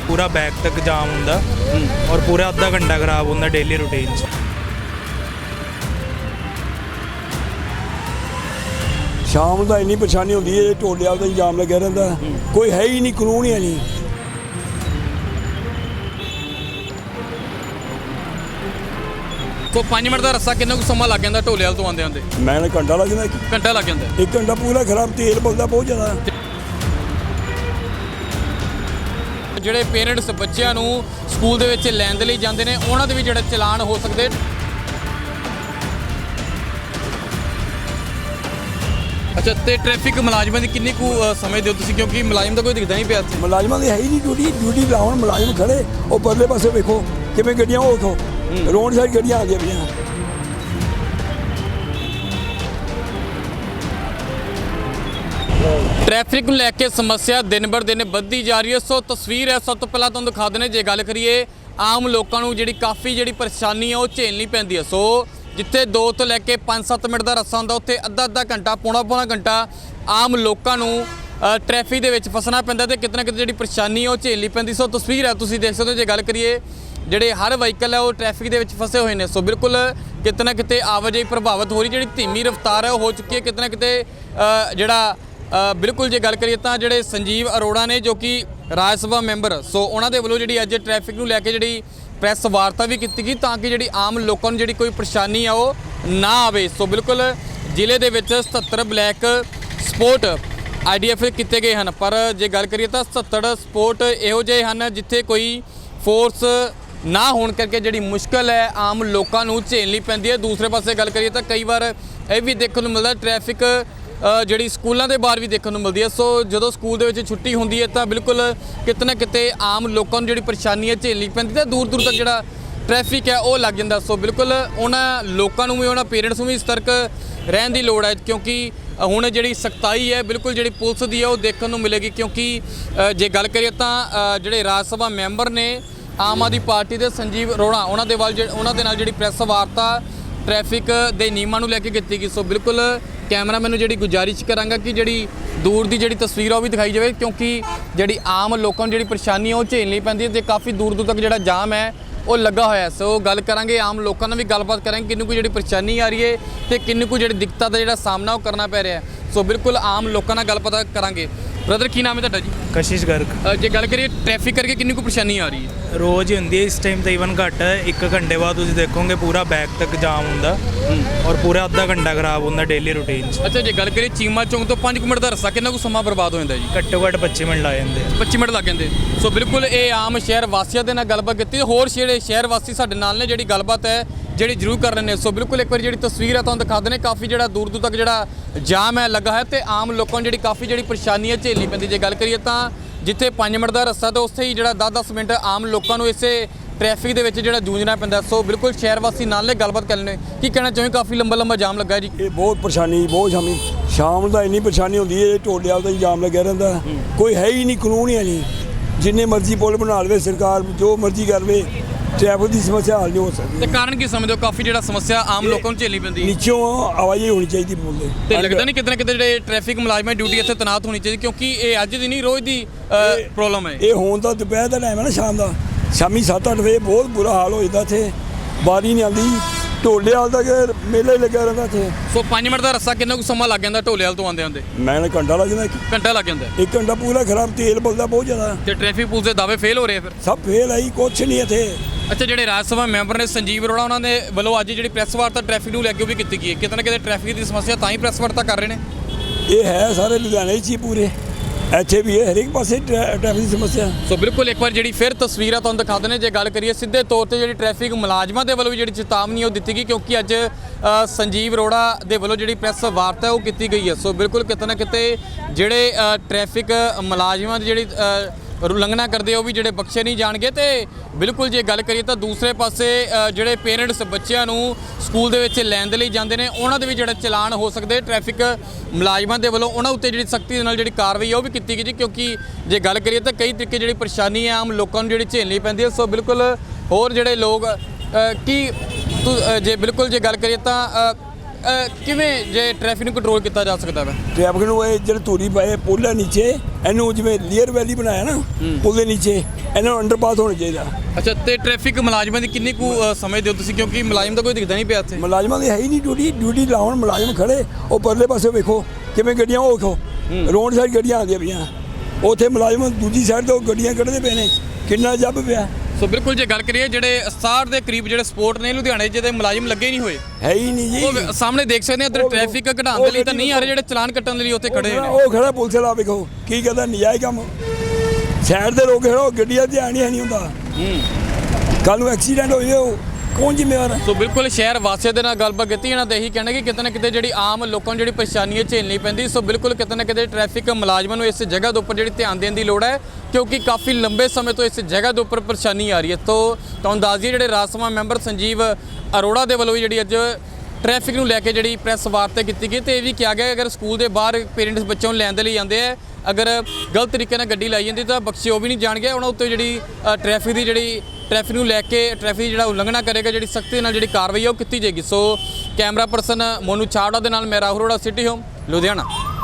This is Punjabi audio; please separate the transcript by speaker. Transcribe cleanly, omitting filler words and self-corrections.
Speaker 1: पूरा बैक तक जाम होंदा और पूरा अद्धा घंटा खराब होंदा डेली रूटीन च।
Speaker 2: शाम का इन्नी परेशानी होती है, टोले वाल जाम लगे रहता, कोई है ही नहीं, कानून ही नहीं।
Speaker 3: तो 5 मिनट का रस्सा कितना समा लग जाता ढोले वाल तो आते आते?
Speaker 2: मैं घंटा लग जाता,
Speaker 3: घंटा लग जाता।
Speaker 2: 1 घंटा पूरा खराब, तेल बलदा बहुत ज़्यादा।
Speaker 3: ਜਿਹੜੇ ਪੇਰੈਂਟਸ ਬੱਚਿਆਂ ਨੂੰ ਸਕੂਲ ਦੇ ਵਿੱਚ ਲੈਣ ਦੇ ਲਈ ਜਾਂਦੇ ਨੇ ਉਹਨਾਂ ਦੇ ਵੀ ਜਿਹੜੇ ਚਲਾਨ ਹੋ ਸਕਦੇ। ਅੱਛਾ, ਤੇ ਟ੍ਰੈਫਿਕ ਮੁਲਾਜ਼ਮਾਂ ਦੀ ਕਿੰਨੀ ਕੁ ਸਮਝਦੇ ਹੋ ਤੁਸੀਂ, ਕਿਉਂਕਿ ਮੁਲਾਜ਼ਮ ਤਾਂ ਕੋਈ ਦਿਖਦਾ ਨਹੀਂ ਪਿਆ ਇੱਥੇ।
Speaker 2: ਮੁਲਾਜ਼ਮਾਂ ਦੀ ਹੈ ਹੀ ਨਹੀਂ ਡਿਊਟੀ ਲਾਉਣ, ਮੁਲਾਜ਼ਮ ਖੜੇ ਉਹ ਪਰਲੇ ਪਾਸੇ ਵੇਖੋ ਕਿਵੇਂ ਗੱਡੀਆਂ, ਉਹ ਵੇਖੋ ਰੋਡ ਸਾਈਡ ਗੱਡੀਆਂ ਆ ਗਈਆਂ ਪਈਆਂ।
Speaker 3: ट्रैफिक ਨੂੰ ਲੈ ਕੇ ਸਮੱਸਿਆ ਦਿਨ ਬਰ ਦਿਨ ਵੱਧਦੀ ਜਾ ਰਹੀ ਹੈ। ਸੋ ਤਸਵੀਰ ਹੈ, ਸਭ ਤੋਂ ਪਹਿਲਾਂ ਤੁਹਾਨੂੰ ਦਿਖਾ ਦਿੰਦੇ ਜੇ ਗੱਲ ਕਰੀਏ ਆਮ ਲੋਕਾਂ ਨੂੰ ਜਿਹੜੀ ਕਾਫੀ ਜਿਹੜੀ ਪਰੇਸ਼ਾਨੀ ਹੈ ਉਹ ਝੇਲਣੀ ਪੈਂਦੀ ਹੈ। ਸੋ ਜਿੱਥੇ 2 ਤੋਂ ਲੈ ਕੇ 5-7 ਮਿੰਟ ਦਾ ਰਸਤਾ ਹੁੰਦਾ ਉੱਥੇ ਅੱਧਾ ਘੰਟਾ ਪੌਣਾ ਘੰਟਾ ਆਮ ਲੋਕਾਂ ਨੂੰ ਟ੍ਰੈਫਿਕ ਦੇ ਵਿੱਚ ਫਸਣਾ ਪੈਂਦਾ ਤੇ ਕਿਤੇ ਨਾ ਕਿਤੇ ਜਿਹੜੀ ਪਰੇਸ਼ਾਨੀ ਹੈ ਉਹ ਝੇਲਣੀ ਪੈਂਦੀ। ਸੋ ਤਸਵੀਰ ਹੈ, ਤੁਸੀਂ ਦੇਖ ਸਕਦੇ ਹੋ। ਜੇ ਗੱਲ ਕਰੀਏ ਜਿਹੜੇ ਹਰ ਵਹੀਕਲ ਹੈ ਉਹ ਟ੍ਰੈਫਿਕ ਦੇ ਵਿੱਚ ਫਸੇ ਹੋਏ ਨੇ। ਸੋ ਬਿਲਕੁਲ ਕਿਤੇ ਨਾ ਕਿਤੇ ਆਵਾਜਾਈ ਪ੍ਰਭਾਵਿਤ ਹੋ ਰਹੀ, ਜਿਹੜੀ ਧੀਮੀ ਰਫ਼ਤਾਰ ਹੈ ਉਹ ਹੋ ਚੁੱਕੀ ਹੈ ਕਿਤੇ ਨਾ ਕਿਤੇ। ਜਿਹੜਾ ਬਿਲਕੁਲ ਜੇ ਗੱਲ ਕਰੀਏ ਤਾਂ ਜਿਹੜੇ ਸੰਜੀਵ ਅਰੋੜਾ ਨੇ ਜੋ ਕਿ ਰਾਜ ਸਭਾ ਮੈਂਬਰ, ਸੋ ਉਹਨਾਂ ਦੇ ਵੱਲੋਂ ਜਿਹੜੀ ਅੱਜ ਟ੍ਰੈਫਿਕ ਨੂੰ ਲੈ ਕੇ ਜਿਹੜੀ ਪ੍ਰੈਸ ਵਾਰਤਾ ਵੀ ਕੀਤੀ ਗਈ ਤਾਂ ਕਿ ਜਿਹੜੀ ਆਮ ਲੋਕਾਂ ਨੂੰ ਜਿਹੜੀ ਕੋਈ ਪਰੇਸ਼ਾਨੀ ਆ ਉਹ ਨਾ ਆਵੇ। ਸੋ ਬਿਲਕੁਲ ਜ਼ਿਲ੍ਹੇ ਦੇ ਵਿੱਚ 77 ਬਲੈਕ ਸਪੋਰਟ IDF ਕੀਤੇ ਗਏ ਹਨ, ਪਰ ਜੇ ਗੱਲ ਕਰੀਏ ਤਾਂ 77 ਸਪੋਰਟ ਇਹੋ ਜਿਹੇ ਹਨ ਜਿੱਥੇ ਕੋਈ ਫੋਰਸ ਨਾ ਹੋਣ ਕਰਕੇ ਜਿਹੜੀ ਮੁਸ਼ਕਲ ਹੈ ਆਮ ਲੋਕਾਂ ਨੂੰ ਝੇਲਣੀ ਪੈਂਦੀ ਹੈ। ਦੂਸਰੇ ਪਾਸੇ ਗੱਲ ਕਰੀਏ ਤਾਂ ਕਈ ਵਾਰ ਇਹ ਵੀ ਦੇਖਣ ਨੂੰ ਮਿਲਦਾ ਟ੍ਰੈਫਿਕ ਜਿਹੜੀ ਸਕੂਲਾਂ ਦੇ ਬਾਹਰ ਵੀ ਦੇਖਣ ਨੂੰ ਮਿਲਦੀ ਹੈ। ਸੋ ਜਦੋਂ ਸਕੂਲ ਦੇ ਵਿੱਚ ਛੁੱਟੀ ਹੁੰਦੀ ਹੈ ਤਾਂ ਬਿਲਕੁਲ ਕਿਤੇ ਨਾ ਕਿਤੇ ਆਮ ਲੋਕਾਂ ਨੂੰ ਜਿਹੜੀ ਪਰੇਸ਼ਾਨੀ ਹੈ ਝੇਲਣੀ ਪੈਂਦੀ ਤੇ ਦੂਰ ਤੱਕ ਜਿਹੜਾ ਟ੍ਰੈਫਿਕ ਹੈ ਉਹ ਲੱਗ ਜਾਂਦਾ। ਸੋ ਬਿਲਕੁਲ ਉਹਨਾਂ ਲੋਕਾਂ ਨੂੰ ਵੀ, ਉਹਨਾਂ ਪੇਰੈਂਟਸ ਨੂੰ ਵੀ ਸਤਰਕ ਰਹਿਣ ਦੀ ਲੋੜ ਹੈ, ਕਿਉਂਕਿ ਹੁਣ ਜਿਹੜੀ ਸਖਤਾਈ ਹੈ ਬਿਲਕੁਲ ਜਿਹੜੀ ਪੁਲਿਸ ਦੀ ਹੈ ਉਹ ਦੇਖਣ ਨੂੰ ਮਿਲੇਗੀ। ਕਿਉਂਕਿ ਜੇ ਗੱਲ ਕਰੀਏ ਤਾਂ ਜਿਹੜੇ ਰਾਜ ਸਭਾ ਮੈਂਬਰ ਨੇ ਆਮ ਆਦਮੀ ਪਾਰਟੀ ਦੇ ਸੰਜੀਵ ਅਰੋੜਾ, ਉਹਨਾਂ ਦੇ ਨਾਲ ਜਿਹੜੀ ਪ੍ਰੈਸ ਵਾਰਤਾ ਟ੍ਰੈਫਿਕ ਦੇ ਨਿਯਮਾਂ ਨੂੰ ਲੈ ਕੇ ਕੀਤੀ ਗਈ। ਸੋ ਬਿਲਕੁਲ ਕੈਮਰਾਮੈਨ ਨੂੰ ਜਿਹੜੀ ਗੁਜ਼ਾਰਿਸ਼ ਕਰਾਂਗਾ ਕਿ ਜਿਹੜੀ ਦੂਰ ਦੀ ਜਿਹੜੀ ਤਸਵੀਰ ਆ ਉਹ ਵੀ ਦਿਖਾਈ ਜਾਵੇ, ਕਿਉਂਕਿ ਜਿਹੜੀ ਆਮ ਲੋਕਾਂ ਨੂੰ ਜਿਹੜੀ ਪਰੇਸ਼ਾਨੀ ਆ ਉਹ ਝੇਲਣੀ ਪੈਂਦੀ ਹੈ ਤੇ ਕਾਫੀ ਦੂਰ ਤੱਕ ਜਿਹੜਾ ਜਾਮ ਹੈ ਉਹ ਲੱਗਾ ਹੋਇਆ। ਸੋ ਗੱਲ ਕਰਾਂਗੇ ਆਮ ਲੋਕਾਂ ਨਾਲ ਵੀ ਗੱਲਬਾਤ ਕਰਾਂਗੇ ਕਿੰਨੂੰ ਕੋਈ ਜਿਹੜੀ ਪਰੇਸ਼ਾਨੀ ਆ ਰਹੀ ਹੈ ਤੇ ਕਿੰਨੂੰ ਕੋਈ ਜਿਹੜੀ ਦਿੱਕਤਾਂ ਦਾ ਜਿਹੜਾ ਸਾਹਮਣਾ ਉਹ ਕਰਨਾ ਪੈ ਰਿਹਾ। ਸੋ ਬਿਲਕੁਲ ਆਮ ਲੋਕਾਂ ਨਾਲ ਗੱਲਬਾਤ ਕਰਾਂਗੇ। ਬ੍ਰਦਰ ਕੀ ਨਾਮ ਹੈ ਤੁਹਾਡਾ ਜੀ?
Speaker 1: कशिश गर्ग।
Speaker 3: ਜੇ ਗੱਲ ਕਰੀਏ ਟ੍ਰੈਫਿਕ ਕਰਕੇ ਕਿੰਨੀ ਕੁ ਪਰੇਸ਼ਾਨੀ ਆ ਰਹੀ ਹੈ?
Speaker 1: रोज़ ही होंगी है, इस टाइम तो ईवन घट है। 1 घंटे बाद तुम देखोगे पूरा बैक तक जाम होंदा और पूरा अद्धा घंटा खराब होंदा डेली रूटीन च।
Speaker 3: ਅੱਛਾ, ਜੇ ਗੱਲ ਕਰੀਏ ਚੀਮਾ ਚੌਂਕ ਤੋਂ 5 ਮਿੰਟ ਦਾ ਰਸਤਾ ਕਿੰਨਾ ਕੁ ਸਮਾਂ ਬਰਬਾਦ ਹੋ ਜਾਂਦਾ ਜੀ?
Speaker 1: घट्टो घट्ट 25 मिनट ला जाते।
Speaker 3: 25 ਮਿੰਟ ਲੱਗ ਜਾਂਦੇ। ਸੋ ਬਿਲਕੁਲ ਇਹ ਆਮ ਸ਼ਹਿਰ ਵਾਸੀਆਂ ਦੇ ਨਾਲ ਗੱਲਬਾਤ ਕੀਤੀ। ਹੋਰ ਜਿਹੜੇ ਸ਼ਹਿਰ ਵਾਸੀ ਸਾਡੇ ਨਾਲ ਨੇ ਜਿਹੜੀ ਗੱਲਬਾਤ ਹੈ ਜਿਹੜੀ ਜ਼ਰੂਰ ਕਰ ਰਹੇ ਨੇ। ਸੋ ਬਿਲਕੁਲ ਇੱਕ ਵਾਰੀ ਜਿਹੜੀ ਤਸਵੀਰ ਹੈ ਤੁਹਾਨੂੰ ਦਿਖਾ ਦਿੰਦੇ, ਕਾਫੀ ਜਿਹੜਾ ਦੂਰ ਤੱਕ ਜਿਹੜਾ ਜਾਮ ਹੈ ਲੱਗਾ ਹੈ ਤੇ ਆਮ ਲੋਕਾਂ ਨੂੰ ਜਿਹੜੀ ਕਾਫੀ ਜਿਹੜੀ ਪਰੇਸ਼ਾਨੀ ਹੈ ਝੇਲਣੀ ਪੈਂਦੀ। ਜੇ ਗੱਲ ਕਰੀਏ ਤਾਂ ਜਿੱਥੇ 5 ਮਿੰਟ ਦਾ ਰਸਤਾ ਤੇ ਉੱਥੇ ਹੀ ਜਿਹੜਾ 10-10 ਮਿੰਟ ਆਮ ਲੋਕਾਂ ਨੂੰ ਇਸੇ ਟ੍ਰੈਫਿਕ ਦੇ ਵਿੱਚ ਜਿਹੜਾ ਜੂਝਣਾ ਪੈਂਦਾ। ਸੋ ਬਿਲਕੁਲ ਸ਼ਹਿਰ ਵਾਸੀ ਨਾਲ ਨੇ ਗੱਲਬਾਤ ਕਰ ਲੈਣੇ। ਕੀ ਕਹਿਣਾ ਚਾਹੁੰਦੇ? ਕਾਫੀ ਲੰਬਾ ਜਾਮ ਲੱਗਾ ਜੀ।
Speaker 2: ਇਹ ਬਹੁਤ ਪਰੇਸ਼ਾਨੀ, ਬਹੁਤ ਸ਼ਾਮ ਦਾ ਇੰਨੀ ਪਰੇਸ਼ਾਨੀ ਹੁੰਦੀ ਹੈ, ਟੋਲੇ ਵਾਲ ਜਾਮ ਲੱਗਿਆ ਰਹਿੰਦਾ, ਕੋਈ ਹੈ ਹੀ ਨਹੀਂ, ਕਾਨੂੰਨ ਹੀ ਨਹੀਂ। ਜਿੰਨੇ ਮਰਜ਼ੀ ਪੁਲ ਬਣਾ ਲਵੇ ਸਰਕਾਰ, ਜੋ ਮਰਜ਼ੀ ਕਰਵੇ, ਟ੍ਰੈਫਿਕ ਦੀ ਸਮੱਸਿਆ ਹੱਲ ਨਹੀਂ ਹੋ ਸਕਦੀ।
Speaker 3: ਤੇ ਕਾਰਨ ਕੀ ਸਮਝਦੇ ਹੋ ਕਾਫੀ ਜਿਹੜਾ ਸਮੱਸਿਆ ਆਮ ਲੋਕਾਂ ਨੂੰ ਝੇਲਣੀ ਪੈਂਦੀ?
Speaker 2: ਨੀਚੋਂ ਆਵਾਜਾਈ ਹੋਣੀ ਚਾਹੀਦੀ ਪੁਲ ਦੇ।
Speaker 3: ਤੇ ਲੱਗਦਾ ਨਹੀਂ ਕਿਤੇ ਨਾ ਕਿਤੇ ਜਿਹੜੇ ਟ੍ਰੈਫਿਕ ਮੁਲਾਜ਼ਮਾਂ ਦੀ ਡਿਊਟੀ ਇੱਥੇ ਤੈਨਾਤ ਹੋਣੀ ਚਾਹੀਦੀ, ਕਿਉਂਕਿ ਇਹ ਅੱਜ ਦੀ ਨਹੀਂ ਰੋਜ਼ ਦੀ ਪ੍ਰੋਬਲਮ ਹੈ।
Speaker 2: ਇਹ ਹੁਣ ਤਾਂ ਦੁਪਹਿਰ ਦਾ ਟਾਈਮ ਹੈ ਨਾ, ਸ਼ਾਮ ਦਾ, ਸ਼ਾਮੀ 7-8 ਵਜੇ ਬਹੁਤ ਬੁਰਾ ਹਾਲ ਹੋ ਜਾਂਦਾ ਇੱਥੇ, ਬਾਰੀ ਨਹੀਂ ਆਉਂਦੀ, ਢੋਲੇ ਵਾਲ ਦਾ ਮੇਲਾ ਹੀ ਲੱਗਿਆ ਰਹਿੰਦਾ ਇੱਥੇ।
Speaker 3: ਸੋ 5 ਮਿੰਟ ਦਾ ਰਸਤਾ ਕਿੰਨਾ ਕੁ ਸਮਾਂ ਲੱਗ ਜਾਂਦਾ ਢੋਲੇ ਵਾਲ ਤੋਂ ਆਉਂਦੇ?
Speaker 2: ਮੈਂ ਘੰਟਾ ਲੱਗ ਜਾਂਦਾ,
Speaker 3: ਘੰਟਾ ਲੱਗ ਜਾਂਦਾ।
Speaker 2: 1 ਘੰਟਾ ਪੂਰਾ ਖਰਾਬ, ਤੇਲ ਬਲਦਾ ਬਹੁਤ ਜ਼ਿਆਦਾ।
Speaker 3: ਤੇ ਟ੍ਰੈਫਿਕ ਪੁਲਿਸ ਦੇ ਦਾਅਵੇ ਫੇਲ ਹੋ ਰਹੇ ਫਿਰ?
Speaker 2: ਸਭ ਫੇਲ ਆਈ, ਕੁਛ ਨਹੀਂ ਇੱਥੇ।
Speaker 3: ਅੱਛਾ, ਜਿਹੜੇ ਰਾਜ ਸਭਾ ਮੈਂਬਰ ਨੇ ਸੰਜੀਵ ਅਰੋੜਾ, ਉਹਨਾਂ ਦੇ ਵੱਲੋਂ ਅੱਜ ਜਿਹੜੀ ਪ੍ਰੈਸ ਵਾਰਤਾ ਟ੍ਰੈਫਿਕ ਨੂੰ ਲੈ ਕੇ ਉਹ ਵੀ ਕੀਤੀ ਗਈ ਹੈ। ਕਿਤੇ ਨਾ ਕਿਤੇ ਟ੍ਰੈਫਿਕ ਦੀ ਸਮੱਸਿਆ ਤਾਂ ਹੀ ਪ੍ਰੈਸ ਵਾਰਤਾ ਕਰ ਰਹੇ ਨੇ।
Speaker 2: ਇਹ ਹੈ ਸਾਰੇ ਲੁਧਿਆਣੇ 'ਚ ਹੀ, ਪੂਰੇ ਇੱਥੇ ਵੀ ਹੈ, ਹਰੇਕ ਪਾਸੇ ਟ੍ਰੈਫਿਕ ਦੀ ਸਮੱਸਿਆ।
Speaker 3: ਸੋ ਬਿਲਕੁਲ ਇੱਕ ਵਾਰ ਜਿਹੜੀ ਫਿਰ ਤਸਵੀਰਾਂ ਤੁਹਾਨੂੰ ਦਿਖਾ ਦਿੰਦੇ। ਜੇ ਗੱਲ ਕਰੀਏ ਸਿੱਧੇ ਤੌਰ ਤੇ ਜਿਹੜੀ ਟ੍ਰੈਫਿਕ ਮੁਲਾਜ਼ਮਾਂ ਦੇ ਵੱਲੋਂ ਵੀ ਜਿਹੜੀ ਚੇਤਾਵਨੀ ਉਹ ਦਿੱਤੀ ਗਈ, ਕਿਉਂਕਿ ਅੱਜ ਸੰਜੀਵ ਅਰੋੜਾ ਦੇ ਵੱਲੋਂ ਜਿਹੜੀ ਪ੍ਰੈਸ ਵਾਰਤਾ ਉਹ ਕੀਤੀ ਗਈ ਹੈ। ਸੋ ਬਿਲਕੁਲ ਕਿਤੇ ਨਾ ਕਿਤੇ ਜਿਹੜੇ ਟ੍ਰੈਫਿਕ ਮੁਲਾਜ਼ਮਾਂ ਦੀ ਜਿਹੜੀ ਉਲੰਘਣਾ ਕਰਦੇ ਉਹ ਵੀ ਜਿਹੜੇ ਬਖਸ਼ੇ ਨਹੀਂ ਜਾਣਗੇ। ਤੇ ਬਿਲਕੁਲ ਜੇ ਗੱਲ ਕਰੀਏ ਤਾਂ ਦੂਸਰੇ ਪਾਸੇ ਜਿਹੜੇ ਪੇਰੈਂਟਸ ਬੱਚਿਆਂ ਨੂੰ ਸਕੂਲ ਦੇ ਵਿੱਚ ਲੈਣ ਦੇ ਲਈ ਜਾਂਦੇ ਨੇ ਉਹਨਾਂ ਦੇ ਵੀ ਜਿਹੜਾ ਚਲਾਨ ਹੋ ਸਕਦੇ। ਟ੍ਰੈਫਿਕ ਮੁਲਾਜ਼ਮਾਂ ਦੇ ਵੱਲੋਂ ਉਹਨਾਂ ਉੱਤੇ ਜਿਹੜੀ ਸਖਤੀ ਦੇ ਨਾਲ ਜਿਹੜੀ ਕਾਰਵਾਈ ਉਹ ਵੀ ਕੀਤੀ ਗਈ ਜੀ, ਕਿਉਂਕਿ ਜੇ ਗੱਲ ਕਰੀਏ ਤਾਂ ਕਈ ਤਰੀਕੇ ਜਿਹੜੀ ਪਰੇਸ਼ਾਨੀ ਹੈ ਆਮ ਲੋਕਾਂ ਨੂੰ ਜਿਹੜੀ ਝੇਲਣੀ ਪੈਂਦੀ ਹੈ। ਸੋ ਬਿਲਕੁਲ ਹੋਰ ਜਿਹੜੇ ਲੋਕ ਜੇ ਬਿਲਕੁਲ ਜੇ ਗੱਲ ਕਰੀਏ ਤਾਂ ਕਿਵੇਂ ਜੇ ਟ੍ਰੈਫਿਕ ਨੂੰ ਕੰਟਰੋਲ ਕੀਤਾ ਜਾ ਸਕਦਾ ਵਾ?
Speaker 2: ਟ੍ਰੈਫਿਕ ਨੂੰ ਇਹ ਜਿਹੜੇ ਧੂਰੀ ਪਏ ਪੁੱਲ ਹੈ ਨੀਚੇ, ਇਹਨੂੰ ਜਿਵੇਂ ਲੀਅਰ ਵੈਲੀ ਬਣਾਇਆ ਨਾ ਪੁੱਲ ਦੇ ਨੀਚੇ, ਇਹਨਾਂ ਨੂੰ ਅੰਡਰਪਾਸ ਹੋਣਾ ਚਾਹੀਦਾ।
Speaker 3: ਅੱਛਾ, ਤੇ ਟ੍ਰੈਫਿਕ ਮੁਲਾਜ਼ਮਾਂ ਦੀ ਕਿੰਨੀ ਕੁ ਸਮਝ ਦਿਓ ਤੁਸੀਂ, ਕਿਉਂਕਿ ਮੁਲਾਜ਼ਮ ਤਾਂ ਕੋਈ ਦਿਖਦਾ ਨਹੀਂ ਪਿਆ ਇੱਥੇ।
Speaker 2: ਮੁਲਾਜ਼ਮਾਂ ਦੀ ਹੈ ਹੀ ਨਹੀਂ ਡਿਊਟੀ ਲਾਉਣ ਮੁਲਾਜ਼ਮ ਖੜੇ, ਉਹ ਪਰਲੇ ਪਾਸੇ ਵੇਖੋ ਕਿਵੇਂ ਗੱਡੀਆਂ, ਉਹ ਵੇਖੋ ਰੋਡ ਸਾਈਡ ਗੱਡੀਆਂ ਆਉਂਦੀਆਂ ਪਈਆਂ, ਉੱਥੇ ਮੁਲਾਜ਼ਮ ਦੂਜੀ ਸਾਈਡ ਤੋਂ ਗੱਡੀਆਂ ਕੱਢਦੇ ਪਏ ਨੇ, ਕਿੰਨਾ ਜੱਬ ਪਿਆ।
Speaker 3: ਸੋ ਬਿਲਕੁਲ ਜੇ ਗੱਲ ਕਰੀਏ ਜਿਹੜੇ 67 ਦੇ ਕਰੀਬ ਜਿਹੜੇ ਸਪੋਰਟ ਨੇ ਲੁਧਿਆਣੇ ਜਿਹਦੇ ਮੁਲਾਜ਼ਮ ਲੱਗੇ ਨਹੀਂ ਹੋਏ,
Speaker 2: ਹੈ ਹੀ ਨਹੀਂ ਜੀ।
Speaker 3: ਉਹ ਸਾਹਮਣੇ ਦੇਖ ਸਕਦੇ ਆ ਇੱਧਰ ਟ੍ਰੈਫਿਕ ਘਟਾਉਣ ਦੇ ਲਈ ਤਾਂ ਨਹੀਂ ਆ ਰਹੇ, ਜਿਹੜੇ ਚਲਾਨ ਕੱਟਣ ਦੇ ਲਈ ਉੱਥੇ ਖੜੇ ਨੇ।
Speaker 2: ਉਹ ਖੜਾ ਪੁਲਿਸ ਵਾਲਾ ਵੇਖੋ ਕੀ ਕਹਿੰਦਾ, ਨਜਾਇਜ਼ ਕੰਮ ਸਾਈਡ ਦੇ ਲੋਕ ਖੜੋ, ਗੱਡੀਆਂ ਧਿਆਨ ਹੀ ਨਹੀਂ ਹੁੰਦਾ, ਕੱਲ ਨੂੰ ਐਕਸੀਡੈਂਟ ਹੋ ਜਾਏ ਉਹ ਕੌਣ ਜ਼ਿੰਮੇਵਾਰ ਹੈ?
Speaker 3: ਸੋ ਬਿਲਕੁਲ ਸ਼ਹਿਰ ਵਾਸੀਆਂ ਦੇ ਨਾਲ ਗੱਲਬਾਤ ਕੀਤੀ, ਇਹਨਾਂ ਦੇ ਇਹੀ ਕਹਿਣਾ ਕਿ ਕਿਤੇ ਨਾ ਕਿਤੇ ਜਿਹੜੀ ਆਮ ਲੋਕਾਂ ਨੂੰ ਜਿਹੜੀ ਪਰੇਸ਼ਾਨੀ ਹੈ ਝੇਲਣੀ ਪੈਂਦੀ। ਸੋ ਬਿਲਕੁਲ ਕਿਤੇ ਨਾ ਕਿਤੇ ਟ੍ਰੈਫਿਕ ਮੁਲਾਜ਼ਮਾਂ ਨੂੰ ਇਸ ਜਗ੍ਹਾ ਦੇ ਉੱਪਰ ਜਿਹੜੀ ਧਿਆਨ ਦੇਣ ਦੀ ਲੋੜ ਹੈ, ਕਿਉਂਕਿ ਕਾਫੀ ਲੰਬੇ ਸਮੇਂ ਤੋਂ ਇਸ ਜਗ੍ਹਾ ਦੇ ਉੱਪਰ ਪਰੇਸ਼ਾਨੀ ਆ ਰਹੀ ਹੈ। ਤੋਂ ਤੁਹਾਨੂੰ ਦੱਸ ਦਈਏ ਜਿਹੜੇ ਰਾਜ ਸਭਾ ਮੈਂਬਰ ਸੰਜੀਵ ਅਰੋੜਾ ਦੇ ਵੱਲੋਂ ਵੀ ਜਿਹੜੀ ਅੱਜ ਟ੍ਰੈਫਿਕ ਨੂੰ ਲੈ ਕੇ ਜਿਹੜੀ ਪ੍ਰੈਸ ਵਾਰਤਾ ਕੀਤੀ ਗਈ, ਤੇ ਇਹ ਵੀ ਕਿਹਾ ਗਿਆ ਅਗਰ ਸਕੂਲ ਦੇ ਬਾਹਰ ਪੇਰੈਂਟਸ ਬੱਚਿਆਂ ਨੂੰ ਲੈਣ ਦੇ ਲਈ ਆਉਂਦੇ ਆ, ਅਗਰ ਗਲਤ ਤਰੀਕੇ ਨਾਲ ਗੱਡੀ ਲਾਈ ਜਾਂਦੀ ਤਾਂ ਬਖਸ਼ੇ ਉਹ ਵੀ ਨਹੀਂ ਜਾਣਗੇ, ਉਹਨਾਂ ਉੱਤੇ ਜਿਹੜੀ ਟ੍ਰੈਫਿਕ ਨੂੰ ਲੈ ਕੇ ਟ੍ਰੈਫਿਕ ਜਿਹੜਾ ਉਲੰਘਣਾ ਕਰੇਗਾ, ਜਿਹੜੀ ਸਖਤੀ ਨਾਲ ਜਿਹੜੀ ਕਾਰਵਾਈ ਹੈ ਉਹ ਕੀਤੀ ਜਾਏਗੀ। So camera person Monu Chawra ਦੇ ਨਾਲ ਮੈਂ ਰਾਹੁਲ ਅਰੋੜਾ, ਸਿਟੀ ਹੋਮ ਲੁਧਿਆਣਾ।